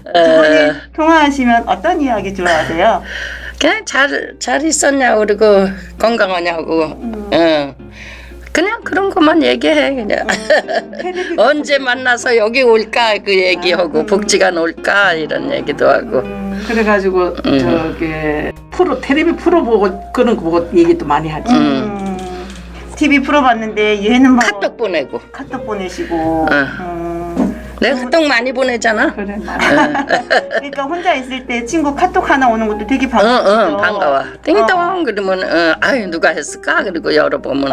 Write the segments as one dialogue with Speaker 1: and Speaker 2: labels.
Speaker 1: 두 분이 통화하시면 어떤 이야기 좋아하세요?
Speaker 2: 그냥 잘 있었냐고 그리고 건강하냐고 그냥 그런 것만 얘기해 그냥 언제 만나서 여기 올까 그 얘기하고 복지관 올까 이런 얘기도 하고
Speaker 3: 그래가지고 저기 텔레비 프로 보고 그런 거 보고 얘기도 많이 하지.
Speaker 1: TV 프로 봤는데 얘는 뭐
Speaker 2: 카톡 보내고
Speaker 1: 카톡 보내시고
Speaker 2: 내가 카톡 많이 보내잖아.
Speaker 3: 그래 많이.
Speaker 1: 그러니까 혼자 있을 때 친구 카톡 하나 오는 것도 되게 반가워요.
Speaker 2: 반가워. 띵동 그러면 아유 누가 했을까 그리고 열어보면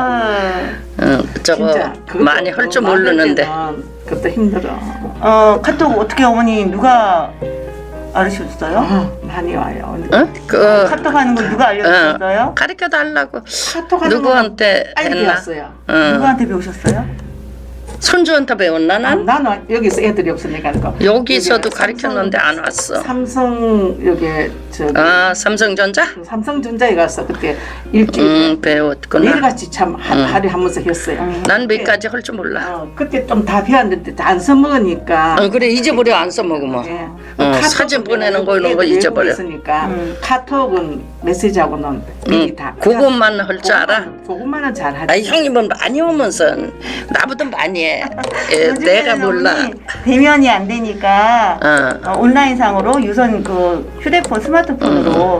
Speaker 2: 저거
Speaker 3: 진짜 그것도
Speaker 2: 많이 할 줄 모르는데
Speaker 3: 그것도 힘들어.
Speaker 1: 카톡 어떻게 어머니 누가 알려주셨어요?
Speaker 3: 많이 와요.
Speaker 1: 카톡 하는 거 누가 알려주셨어요?
Speaker 2: 가르쳐 달라고
Speaker 3: 카톡 하는
Speaker 2: 누구한테
Speaker 3: 빨리
Speaker 2: 했나?
Speaker 3: 배웠어요.
Speaker 1: 누구한테 배우셨어요?
Speaker 2: 손주한테 배웠나 난?
Speaker 3: 나는 여기서 애들이 없으니까
Speaker 2: 여기서도
Speaker 3: 여기
Speaker 2: 가르쳤는데 안 왔어.
Speaker 3: 삼성 여기 저기
Speaker 2: 삼성전자?
Speaker 3: 삼성전자에 가서 그때 일주일
Speaker 2: 배웠구나.
Speaker 3: 매일같이 참 하루에 한 번씩 했어요.
Speaker 2: 난 몇 가지 할 줄 몰라.
Speaker 3: 그때 좀 다 배웠는데 다 안 써먹으니까.
Speaker 2: 그래 잊어버려 안 써먹으면.
Speaker 3: 예.
Speaker 2: 사진 보내는 거 이런 거
Speaker 3: 애들
Speaker 2: 잊어버려.
Speaker 3: 외국에 있으니까 카톡은 메시지하고는 미리 다.
Speaker 2: 그것만 할 줄 알아?
Speaker 3: 그것만은 잘 하지.
Speaker 2: 아니 형님은 많이 오면서 나보다 많이 해. 내가 몰라.
Speaker 1: 대면이 안 되니까 온라인상으로 유선 그 휴대폰 스마트폰으로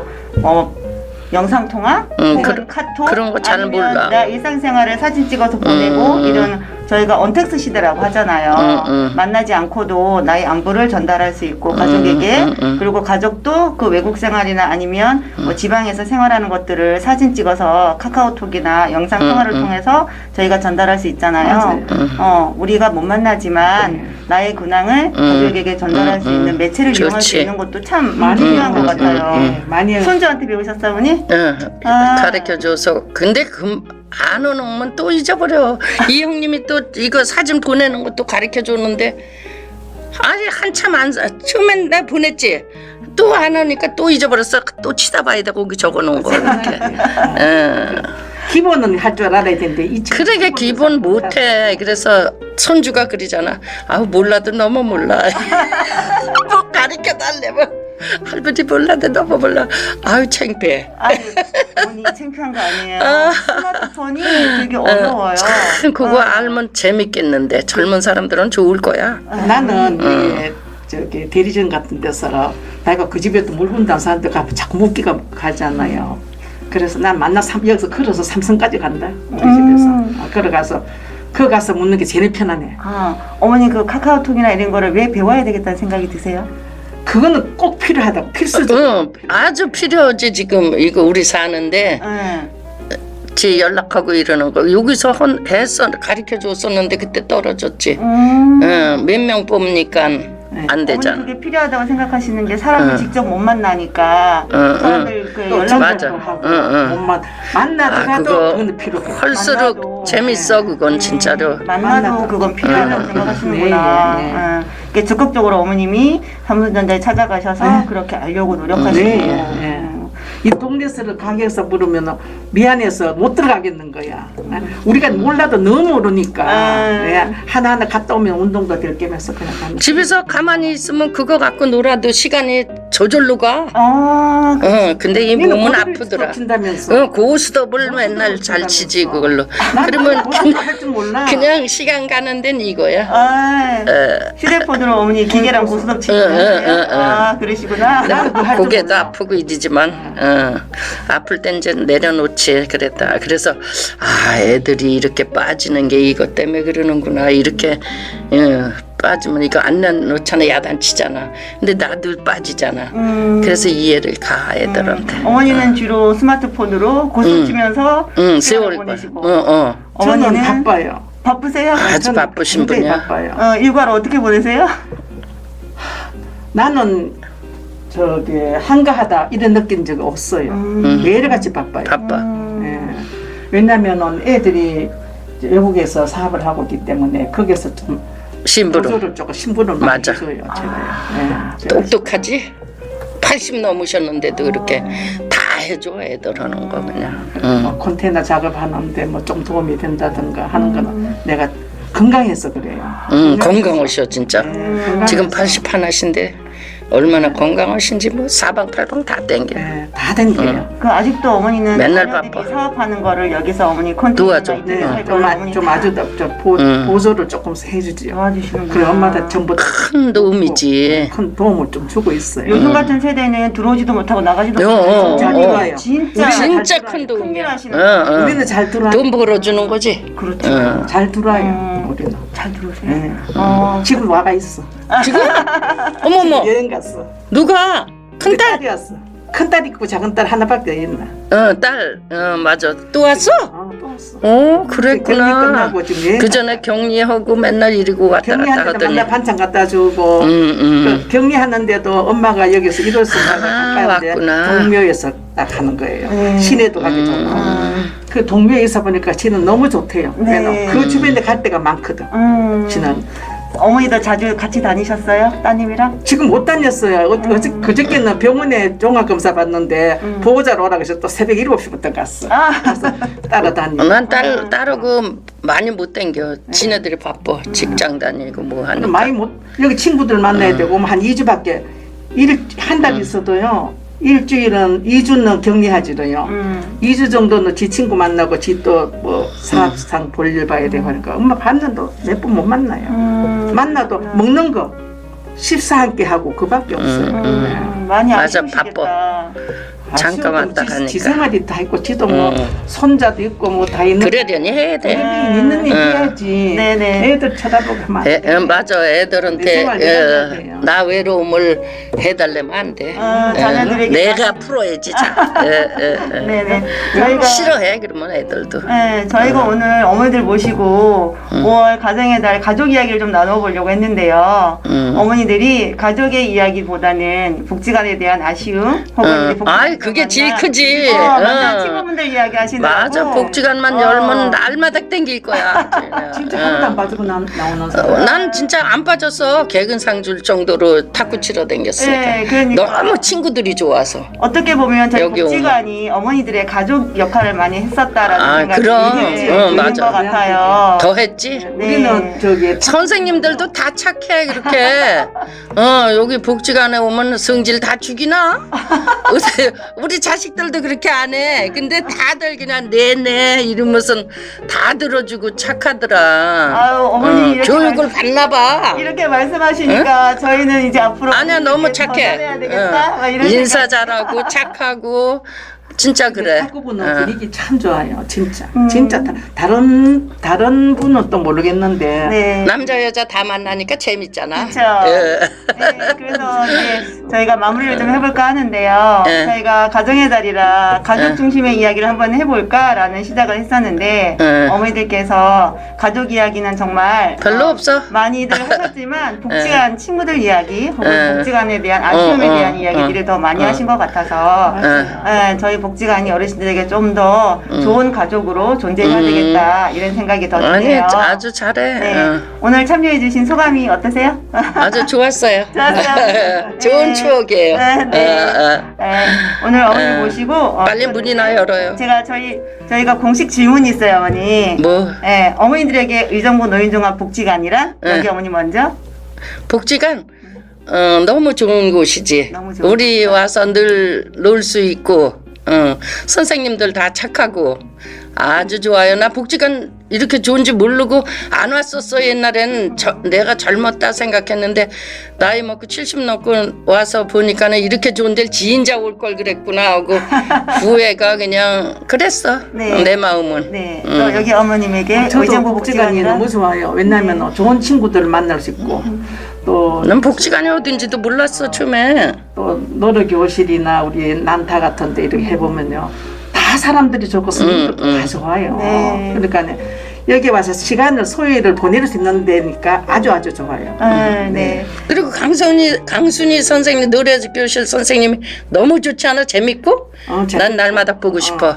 Speaker 1: 영상 통화, 카톡
Speaker 2: 그런 거 잘
Speaker 1: 아니면
Speaker 2: 몰라.
Speaker 1: 나 일상생활을 사진 찍어서 보내고 이런 저희가 언택트 시대라고 하잖아요. 만나지 않고도 나의 안부를 전달할 수 있고 가족에게 그리고 가족도 그 외국 생활이나 아니면 뭐 지방에서 생활하는 것들을 사진 찍어서 카카오톡이나 영상 통화를 통해서 저희가 전달할 수 있잖아요. 우리가 못 만나지만 나의 근황을 가족에게 전달할 수 있는 매체를 이용할 수 있는 것도 참 많이 중요한 것 같아요.
Speaker 3: 많이
Speaker 1: 손주한테 배우셨어요, 어머니?
Speaker 2: 가르쳐줘서 근데 안 오면 또 잊어버려. 이 형님이 또 이거 사진 보내는 것도 가르쳐줬는데 아니 한참 처음엔 내가 보냈지 또 안 오니까 또 잊어버렸어. 또 치다봐야 돼 거기 적어놓은 거 이렇게.
Speaker 3: 기본은 할 줄 알아야 되는데
Speaker 2: 그러게 기본 못해. 그래서 손주가 그러잖아. 아우 몰라도 너무 몰라. 뭐 가르쳐달래면 할아버지 몰라도 너무 몰라. 아유 창피해.
Speaker 1: 아유, 어머니 창피한 거 아니에요. 스마트폰이 되게 어려워요.
Speaker 2: 그거 알면 재밌겠는데 젊은 사람들은 좋을 거야.
Speaker 3: 나는 저기 대리점 같은 데서 내가 그 집에도 물건 단 사람들 가면 자꾸 묻기가 가잖아요. 그래서 난 여기서 걸어서 삼성까지 간다. 우리 집에서 걸어가서 거 가서 묻는 게 제일 편하네.
Speaker 1: 어머니 그 카카오톡이나 이런 거를 왜 배워야 되겠다는 생각이 드세요?
Speaker 3: 그거는 꼭 필요하다고 필수적.
Speaker 2: 아주 필요하지. 지금 이거 우리 사는데 지 연락하고 이러는 거 여기서 했어 가르쳐 줬었는데 그때 떨어졌지. 몇 명 뽑으니까 안 되잖아.
Speaker 1: 어머니 그게 필요하다고 생각하시는 게 사람을 직접 못 만나니까 사람들 그
Speaker 2: 맞아.
Speaker 3: 연락도 하고 만나더라도 그건 필요해.
Speaker 2: 할수록 재밌어 그건 진짜로.
Speaker 1: 만나도 그건 필요하다고 생각하시는구나. 이게 적극적으로 어머님이 삼성전자에 찾아가셔서 그렇게 알려고 노력하시고.
Speaker 3: 이 동네에서 가게에서 물으면 미안해서 못 들어가겠는 거야. 우리가 몰라도 너무 모르니까 하나하나 갔다 오면 운동도 될 겸해서 그냥 가는.
Speaker 2: 집에서 가만히 있으면 그거 갖고 놀아도 시간이 저절로 가. 근데 이 몸은 아프더라. 고스톱을 맨날 잘 치지 그걸로. 그러면 그냥 시간 가는 데는 이거야.
Speaker 1: 휴대폰으로 어머니 기계랑 고스톱 치고 그러시구나.
Speaker 2: 고개도 아프고 이러지만 아플 땐 이제 내려놓지 그랬다. 그래서 애들이 이렇게 빠지는 게 이것 때문에 그러는구나 이렇게 빠지면 이거 안 내놓잖아. 야단치잖아. 근데 나도 빠지잖아. 그래서 이해를 가 애들한테.
Speaker 1: 어머니는 주로 스마트폰으로 고스톱 치면서
Speaker 2: 세월
Speaker 1: 보내시고
Speaker 3: 어머니는 바빠요.
Speaker 1: 바쁘세요?
Speaker 2: 아주 바쁘신 분이야.
Speaker 3: 바빠요.
Speaker 1: 일과를 어떻게 보내세요?
Speaker 3: 나는 저기 한가하다 이런 느낀 적이 없어요. 매일같이 바빠요.
Speaker 2: 바빠.
Speaker 3: 왜냐면은 애들이 외국에서 사업을 하고 있기 때문에 거기서 좀
Speaker 2: 심부름.
Speaker 3: 조금 심부름을 많이 해줘요. 제가요.
Speaker 2: 똑똑하지? 80 넘으셨는데도 그렇게 다 해줘 애들 하는 거 그냥.
Speaker 3: 컨테이너 작업하는데 뭐 좀 도움이 된다든가 하는 거는 내가 건강해서 그래요.
Speaker 2: 건강하셔 진짜. 지금 80 하나신데 얼마나 건강하신지 뭐 사방팔방 다 땡겨.
Speaker 3: 네, 다 댕겨요.
Speaker 1: 그 아직도 어머니는
Speaker 2: 맨날
Speaker 1: 자녀들이
Speaker 2: 바빠.
Speaker 1: 사업하는 거를 여기서 어머니 컨텐츠나
Speaker 2: 도와줘.
Speaker 1: 이렇게
Speaker 3: 네,
Speaker 1: 할
Speaker 3: 좀,
Speaker 1: 거를 어머니
Speaker 3: 좀
Speaker 1: 다
Speaker 3: 아주 보조를 조금 해주지요.
Speaker 1: 도와주시는구나.
Speaker 3: 그래 엄마들 전부 다
Speaker 2: 큰 도움이지.
Speaker 3: 큰 도움을 좀 주고 있어요.
Speaker 1: 요즘 같은 세대는 들어오지도 못하고 나가지도
Speaker 2: 어,
Speaker 1: 못하고
Speaker 3: 잘
Speaker 2: 어.
Speaker 3: 들어와요.
Speaker 1: 진짜
Speaker 2: 진짜
Speaker 3: 잘
Speaker 2: 큰
Speaker 1: 큰일
Speaker 2: 도움이야.
Speaker 1: 하시는
Speaker 3: 우리는 잘 들어와요.
Speaker 2: 돈 벌어주는 거지.
Speaker 1: 그렇죠.
Speaker 3: 잘 들어와요. 우리는.
Speaker 1: 잘 들어오세요.
Speaker 3: 네.
Speaker 1: 어.
Speaker 3: 지금 와가 있어.
Speaker 2: 지금? 어머머,
Speaker 3: 여행 갔어.
Speaker 2: 누가?
Speaker 3: 큰
Speaker 2: 큰딸?
Speaker 3: 딸이 왔어. 큰 딸 있고 작은 딸 하나밖에 없나?
Speaker 2: 딸. 맞아. 또 왔어?
Speaker 3: 또 왔어.
Speaker 2: 어,
Speaker 3: 격리
Speaker 2: 그랬구나.
Speaker 3: 끝나고 지금 여행
Speaker 2: 그 전에 격리하고 맨날 이러고 왔다 갔다
Speaker 3: 격리하는데
Speaker 2: 하더니.
Speaker 3: 맨날 반찬 갖다 주고 그 격리하는데도 엄마가 여기서 일월서 가까운데
Speaker 2: 왔구나.
Speaker 3: 동묘에서 딱 하는 거예요.
Speaker 1: 네.
Speaker 3: 시내도 가기 좋고 그 동묘에 있어 보니까 지는 너무 좋대요.
Speaker 1: 네.
Speaker 3: 그래서 그 주변에 갈 데가 많거든. 지는
Speaker 1: 어머니도 자주 같이 다니셨어요? 따님이랑?
Speaker 3: 지금 못 다녔어요. 그저께는 병원에 종합검사 받는데 보호자로 오라고 해서 또 새벽 7시부터 갔어. 가서 따라다니고.
Speaker 2: 난 따르고 많이 못 댕겨. 지네들이 바빠. 직장 다니고 뭐 하니까.
Speaker 3: 많이 못 여기 친구들 만나야 되고 한 2주밖에 한 달 있어도요. 일주일은 2주는 격리하지로요. 2주 정도는 지 친구 만나고 지 또 뭐 사업상 볼일 봐야 되고 하니까 엄마 반년도 몇 번 못 만나요. 만나도 먹는 거 식사 함께 하고 그밖에 없어요. 네.
Speaker 1: 많이
Speaker 2: 맞아,
Speaker 1: 아쉬우시겠다.
Speaker 2: 잠깐 왔다 가니까.
Speaker 3: 지 생활이 다 있고 지도 뭐 손자도 있고 뭐 다 있는
Speaker 2: 그러려니 해야 돼.
Speaker 3: 있는 일 해야지.
Speaker 1: 네네.
Speaker 3: 애들 쳐다보고 하면 안 돼.
Speaker 2: 맞아.
Speaker 3: 내
Speaker 2: 애들한테
Speaker 3: 생활 내가 해야 돼요.
Speaker 2: 나 외로움을 해달라면 안 돼.
Speaker 1: 자녀들에게
Speaker 2: 내가 풀어야지.
Speaker 1: 네네. 저희가
Speaker 2: 싫어해 그러면 애들도.
Speaker 1: 네, 저희가 오늘 어머니들 모시고 5월 가정의 달 가족 이야기를 좀 나눠보려고 했는데요. 어머니들이 가족의 이야기보다는 복지관에 대한 아쉬움 혹은 이제 복지관
Speaker 2: 그게 제일
Speaker 1: 만난-
Speaker 2: 크지.
Speaker 1: 만난 친구분들 이야기 하시더라고.
Speaker 2: 맞아. 복지관만 열면 날마다 땡길 거야.
Speaker 3: 진짜 하나도 안 빠지고 나오는 사람.
Speaker 2: 난 진짜 안 빠졌어. 개근상 줄 정도로 탁구 치러 댕겼으니까.
Speaker 1: 네, 그러니까.
Speaker 2: 너무 친구들이 좋아서.
Speaker 1: 어떻게 보면 저희
Speaker 2: 여기
Speaker 1: 복지관이 어머니들의 가족 역할을 많이 했었다라는 생각이
Speaker 2: 그럼.
Speaker 1: 드는
Speaker 2: 맞아.
Speaker 1: 것 같아요.
Speaker 2: 더 했지?
Speaker 1: 네.
Speaker 3: 우리는 저기
Speaker 2: 선생님들도 다 착해 그렇게. 여기 복지관에 오면 성질 다 죽이나? 우리 자식들도 그렇게 안 해. 근데 다들 그냥 네네 이러면서 다 들어주고 착하더라.
Speaker 1: 아유, 어머니 이렇게
Speaker 2: 교육을 받나 봐.
Speaker 1: 이렇게 말씀하시니까 저희는 이제 앞으로
Speaker 2: 아니야 너무
Speaker 1: 더
Speaker 2: 착해.
Speaker 1: 잘해야 되겠다. 막 이런
Speaker 2: 인사
Speaker 1: 생각.
Speaker 2: 잘하고 착하고 진짜 그래.
Speaker 3: 탁구부는 분위기 참 좋아요. 진짜. 진짜 다른 분은 또 모르겠는데
Speaker 1: 네.
Speaker 2: 남자 여자 다 만나니까 재밌잖아.
Speaker 1: 그렇죠.
Speaker 2: 예.
Speaker 1: 네, 그래서 이제 저희가 마무리를 좀 해볼까 하는데요.
Speaker 2: 네.
Speaker 1: 저희가 가정의 달이라 가족 중심의 이야기를 한번 해볼까라는 시작을 했었는데
Speaker 2: 네.
Speaker 1: 어머니들께서 가족 이야기는 정말
Speaker 2: 별로 없어.
Speaker 1: 많이들 하셨지만 복지관 친구들 이야기 혹은
Speaker 2: 네.
Speaker 1: 복지관에 대한 아쉬움에 대한 이야기들을 더 많이
Speaker 2: 어.
Speaker 1: 하신 것 같아서 저희 복지관이 어르신들에게 좀 더 좋은 가족으로 존재해야 되겠다 이런 생각이 더
Speaker 2: 아니
Speaker 1: 드네요.
Speaker 2: 아주 잘해.
Speaker 1: 네. 오늘 참여해주신 소감이 어떠세요?
Speaker 2: 아주 좋았어요.
Speaker 1: 좋았어요.
Speaker 2: 좋은
Speaker 1: 네.
Speaker 2: 추억이에요.
Speaker 1: 네, 네. 네, 오늘 어머니 모시고
Speaker 2: 빨리
Speaker 1: 또
Speaker 2: 문이나 열어요.
Speaker 1: 제가 저희가 공식 질문이 있어요, 어머니.
Speaker 2: 뭐
Speaker 1: 네, 어머니들에게 의정부 노인종합복지관이란 여기 어머니 먼저.
Speaker 2: 복지관 너무 좋은 곳이지.
Speaker 1: 너무 좋은
Speaker 2: 우리 와서 늘 놀 수 있고 선생님들 다 착하고 아주 좋아요. 나 복지관 이렇게 좋은지 모르고 안 왔었어. 옛날에는 내가 젊었다 생각했는데 나이 먹고 70 넘고 와서 보니까는 이렇게 좋은 데를 지인자 올 걸 그랬구나 하고 후회가 그냥 그랬어.
Speaker 1: 네.
Speaker 2: 내 마음은.
Speaker 1: 네, 또 여기 어머님에게
Speaker 3: 저도
Speaker 1: 의정부
Speaker 3: 복지관이
Speaker 1: 복지관이란
Speaker 3: 너무 좋아요. 왜냐하면 좋은 친구들을 만날 수 있고 또
Speaker 2: 난 복지관이 어딘지도 몰랐어 처음에.
Speaker 3: 또 노르교실이나 우리 난타 같은 데 이렇게 해보면요 다 사람들이 좋고 스님들도 다 좋아요.
Speaker 1: 네.
Speaker 3: 그러니까 여기 와서 시간을 소요를 보낼 수 있는 데니까 아주 좋아요.
Speaker 1: 네.
Speaker 2: 그리고 강순이 선생님 노래 교실 선생님이 너무 좋지 않아? 재밌고? 난 날마다 보고 싶어.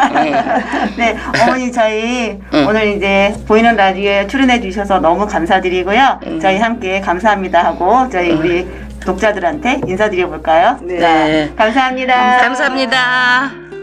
Speaker 1: 네, 어머니 저희 오늘 이제 보이는 라디오에 출연해 주셔서 너무 감사드리고요. 저희 함께 감사합니다 하고 저희 우리 독자들한테 인사드려 볼까요?
Speaker 3: 네.
Speaker 2: 네.
Speaker 1: 감사합니다.
Speaker 2: 감사합니다.